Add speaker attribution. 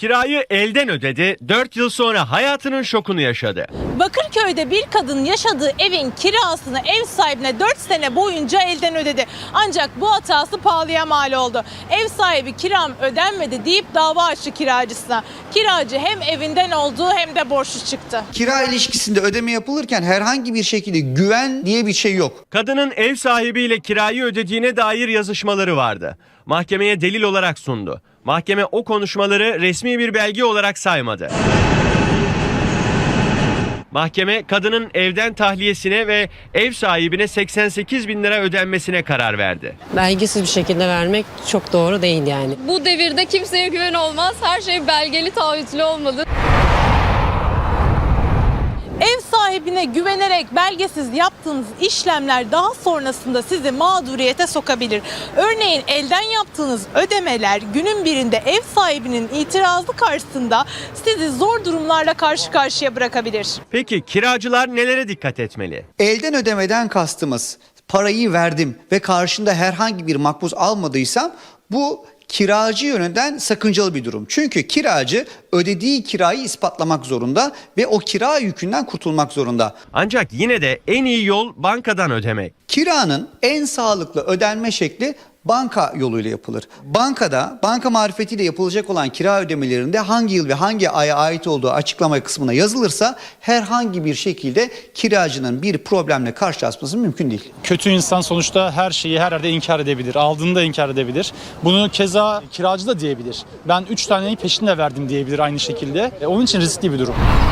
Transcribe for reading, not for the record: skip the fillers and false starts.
Speaker 1: Kirayı elden ödedi, 4 yıl sonra hayatının şokunu yaşadı.
Speaker 2: Bakırköy'de bir kadın yaşadığı evin kirasını ev sahibine 4 sene boyunca elden ödedi. Ancak bu hatası pahalıya mal oldu. Ev sahibi kiram ödenmedi deyip dava açtı kiracısına. Kiracı hem evinden oldu hem de borçlu çıktı.
Speaker 3: Kira ilişkisinde ödeme yapılırken herhangi bir şekilde güven diye bir şey yok.
Speaker 1: Kadının ev sahibiyle kirayı ödediğine dair yazışmaları vardı. Mahkemeye delil olarak sundu. Mahkeme o konuşmaları resmi bir belge olarak saymadı. Mahkeme kadının evden tahliyesine ve ev sahibine 88 bin lira ödenmesine karar verdi.
Speaker 4: Belgesiz bir şekilde vermek çok doğru değil yani.
Speaker 5: Bu devirde kimseye güven olmaz. Her şey belgeli, taahhütlü olmalı.
Speaker 2: Ev sahibine güvenerek belgesiz yaptığınız işlemler daha sonrasında sizi mağduriyete sokabilir. Örneğin elden yaptığınız ödemeler günün birinde ev sahibinin itirazı karşısında sizi zor durumlarla karşı karşıya bırakabilir.
Speaker 1: Peki kiracılar nelere dikkat etmeli?
Speaker 3: Elden ödemeden kastımız parayı verdim ve karşında herhangi bir makbuz almadıysam bu kiracı yönünden sakıncalı bir durum. Çünkü kiracı ödediği kirayı ispatlamak zorunda ve o kira yükünden kurtulmak zorunda.
Speaker 1: Ancak yine de en iyi yol bankadan ödemek.
Speaker 3: Kiranın en sağlıklı ödenme şekli banka yoluyla yapılır. Bankada, banka marifetiyle yapılacak olan kira ödemelerinde hangi yıl ve hangi aya ait olduğu açıklama kısmına yazılırsa herhangi bir şekilde kiracının bir problemle karşılaşması mümkün değil.
Speaker 6: Kötü insan sonuçta her şeyi her yerde inkar edebilir. Aldığını da inkar edebilir. Bunu keza kiracı da diyebilir. Ben 3 taneyi peşinde verdim diyebilir aynı şekilde. Onun için riskli bir durum.